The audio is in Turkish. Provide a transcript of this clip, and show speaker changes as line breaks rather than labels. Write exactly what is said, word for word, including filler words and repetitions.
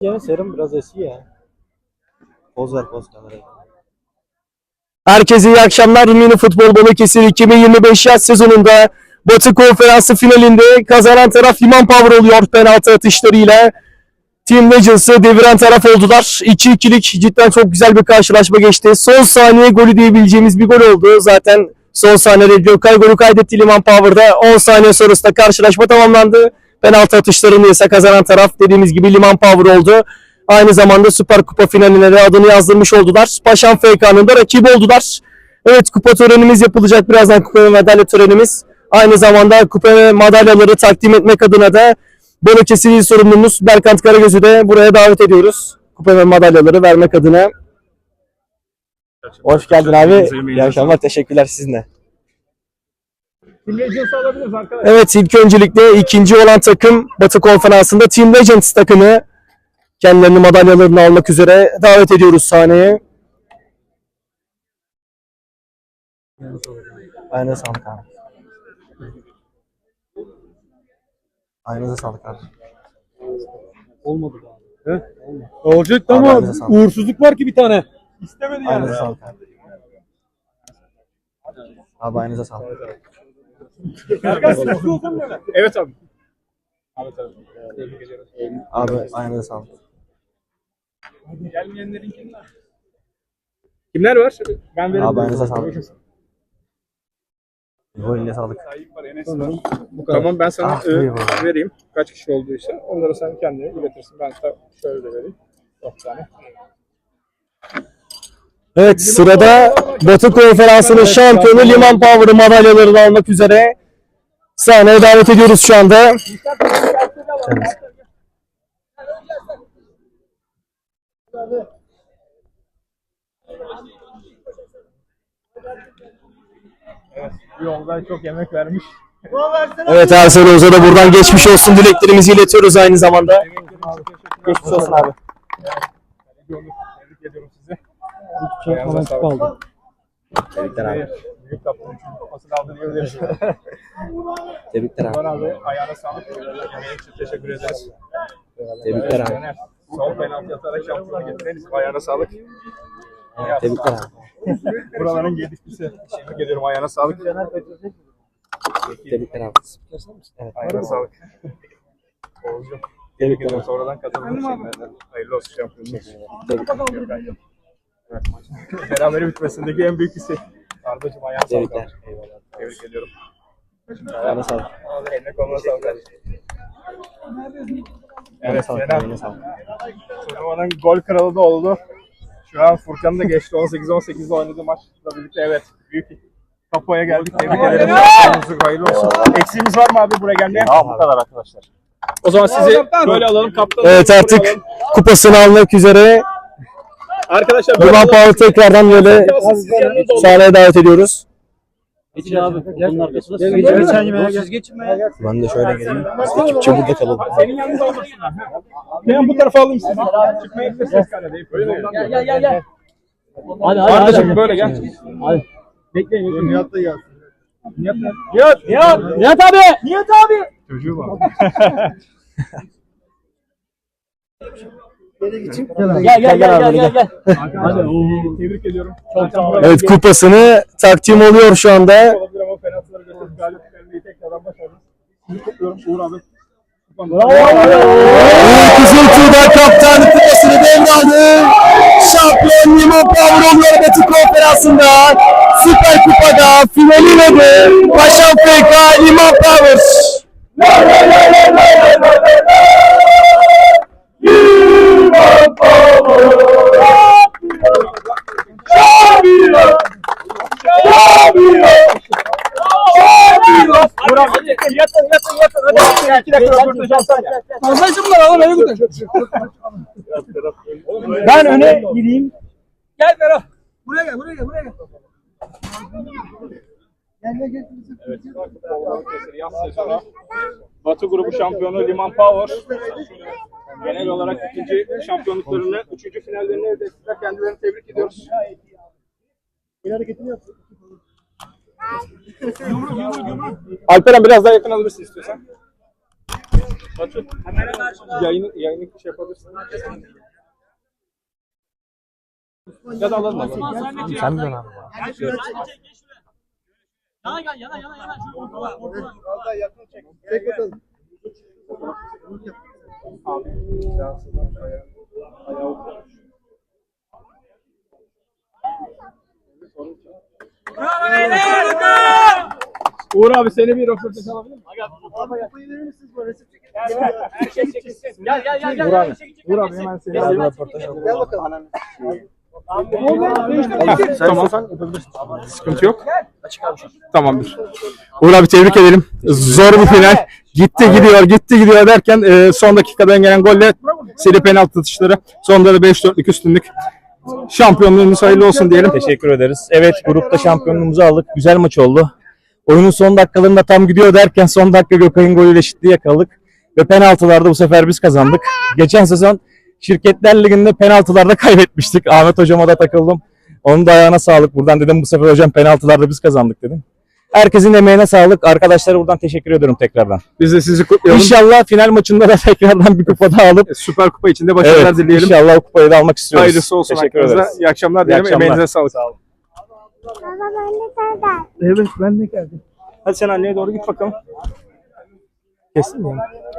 Yine serum biraz eski ya. Poz ver poz kameraya.
Herkese iyi akşamlar. Mini Futbol Balıkesir iki bin yirmi beş yaz sezonunda Batı Konferansı finalinde kazanan taraf Liman Power oluyor penaltı atışlarıyla. Team Legends'ı deviren taraf oldular. iki ikilik cidden çok güzel bir karşılaşma geçti. Son saniye golü diyebileceğimiz bir gol oldu. Zaten son saniyede Gökay golü kaydetti Liman Power'da. on saniye sonrasında karşılaşma tamamlandı. Penaltı atışlarını ise kazanan taraf dediğimiz gibi Liman Power oldu. Aynı zamanda Süper Kupa finaline de adını yazdırmış oldular. Paşam F K'nın da rakibi oldular. Evet, kupa törenimiz yapılacak. Birazdan kupa ve madalya törenimiz. Aynı zamanda kupa ve madalyaları takdim etmek adına da Balıkesir İl sorumlumuz Berkant Karagöz'ü de buraya davet ediyoruz. Kupa ve madalyaları vermek adına. Hoş geldin abi. İyi akşamlar. Teşekkürler sizinle.
Team Legends'ı alabiliriz arkadaşlar.
Evet, ilk öncelikle ikinci olan takım Batı Konferansı'nda Team Legends takımı. Kendilerini madalyalarını almak üzere davet ediyoruz sahneye. Aynen sağlık abi. Aynınıza sağlık abi.
Olmadı abi.
He? Olacaktı
Abi,
ama
aynınıza sağlık.
uğursuzluk var ki bir tane. İstemedi yani.
Aynınıza sağlık abi. Abi aynınıza sağlık.
Evet abi. Evet abi. Tebrik ediyoruz.
Abi aynınıza sağlık.
Gelmeyenlerin kimler? Kimler var? Ben veririm.
Abi aynınıza sağlık. Bu eline sağlık.
Tayyip var, Enes var. Tamam, ben sana
Ah,
e,
buyur.
vereyim. Kaç kişi olduysa. Onları sen kendine iletirsin. Ben de şöyle de vereyim. Dört tane.
Evet, sırada Batı Konferansı'nın şampiyonu Liman Power'ı madalyalarını almak üzere sahneye davet ediyoruz şu anda. Evet.
Bu yolda çok yemek vermiş.
Evet, Ersel Oz'a da buradan geçmiş olsun dileklerimizi iletiyoruz aynı zamanda. Geçmiş olsun abi.
Tebrik ediyorum sizi.
Çok falan kupa aldım.
Tebrikler abi.
Büyük kaptanın kupasını aldı diyebiliriz.
Tebrikler
Var abi, ayağına sağlık. Yemeğin için teşekkür ederiz.
Tebrikler abi.
Caner, son penaltı atarak şampiyonu getireniz. Ayağına sağlık.
Tebrikler abi.
Buraların gelişmesi. Tebrik ediyorum, ayağına sağlık.
Tebrikler abi. Evet.
Ayağına sağlık. Oğuzcuğum, tebrik ediyorum. Sonradan kazandığın için. Hayırlı olsun şampiyonluk. Evet. Berabere bitmesindeki en büyük hissi. Ardacığım, ayağına sağlık.
Tebrikler.
Eyvallah. Tebrik ediyorum.
Ayağına sağlık.
Eline koluna sağlık. Evet,
sağlık,
Kenan.
eline sağlık.
Turnuvanın gol kralı da oldu. Şu an Furkan da geçti. on sekiz on sekizde oynadığı maçla birlikte, evet. Büyük kapıya geldik. Tebrik ederim. Hayırlı olsun. Eksiğimiz var mı abi buraya gelmeye?
Ya bu kadar arkadaşlar.
O zaman sizi böyle alalım. Kaptan.
Evet, artık kupasını almak üzere
Arkadaşlar
Liman Power tekrardan böyle sahneye davet ediyoruz.
Geçin abi. Bunun arkasında siz geçin. Geçen yemeğe gel. Geçin be.
Ben de şöyle geleyim. Ekipçe burada kalalım.
Senin yanında olmasınlar. Ben bu tarafa alayım sizi. Çıkmaya gideceğiz kaledeyim. Gel gel gel gel.
Hadi hadi.
Ardacığım böyle gel.
Hadi.
Bekleyin. Nihat da gelsin. Nihat ne?
Nihat. Nihat. Nihat abi. Nihat abi.
Çocuğu var.
Gel gel gel gel gel gel.
Hadi. Tebrik ediyorum. Çok sağ olun.
Evet, kupasını takdim oluyor şu anda.
Olabilir ama penaltıları götürüp galip gelmeyi tekrardan başardık. Sizi kutluyorum Uğur abi.
Uğur Kızıltuğ'da kaptan kupasını devraldı. Şampiyon Liman Power oluyor Batı Konferansı'nda. Süper Kupa'da finali de Paşam F K Liman Power.
Uğur abi. Yatın yatın yatın. Hadi. İki dakika röportaj alsana.
Masajım var oğlum, beni götür.
Ben öne gideyim.
Gel Ferhat. Buraya gel, buraya gel, buraya gel.
Evet, yaz sezonu Batı grubu şampiyonu Liman Power genel olarak ikinci şampiyonluklarını, üçüncü finallerini elde ettiler. Kendilerini tebrik ediyoruz. Alperen biraz daha yakın alabilirsin istiyorsan. Batu, yayını, yayını şey yapabilirsin. Ya da alalım alalım.
Sen mi abi?
Yana gel yana yana yana. Şu ortalar ortalar.
Çek bakalım.
Bravo beyler.
Uğur abi seni bir röportaj alabilir miyim?
Abi kupayı verir misiniz bana? Resim çekin.
Herkes çekilsin. Gel gel gel gel.
Uğur abi. Uğur abi hemen seni
Gel
röportaj alalım.
Gel bakalım.
Tamam. Sıkıntı yok. Tamamdır. Uğur abi tebrik edelim. Zor bir final. Gitti gidiyor gitti gidiyor derken e, son dakikadan gelen golle seri penaltı atışları. Sonunda da beş dörtlük üstünlük. Şampiyonluğumuz hayırlı olsun diyelim.
Teşekkür ederiz. Evet, grupta şampiyonluğumuzu aldık. Güzel maç oldu. Oyunun son dakikalarında tam gidiyor derken son dakika Gökay'ın golüyle eşitliği yakaladık. Ve penaltılarda bu sefer biz kazandık. Geçen sezon Şirketler Ligi'nde penaltılarda kaybetmiştik. Ahmet hocama da takıldım. Onun da ayağına sağlık. Buradan dedim bu sefer hocam penaltılarda biz kazandık dedim. Herkesin emeğine sağlık. Arkadaşlara buradan teşekkür ediyorum tekrardan.
Biz de sizi kutlayalım.
İnşallah final maçında da tekrardan bir kupa daha alıp
Süper Kupa içinde başarılar
evet,
dileyelim.
İnşallah o kupayı da almak istiyoruz.
Hayırlısı olsun
Teşekkür
hakkınızda.
ederiz.
İyi akşamlar
İyi
dilerim.
akşamlar.
Emeğinize sağlık.
Sağ olun.
Baba ben de senden.
Evet ben de geldim. Hadi sen anneye doğru git bakalım. Kesin mi?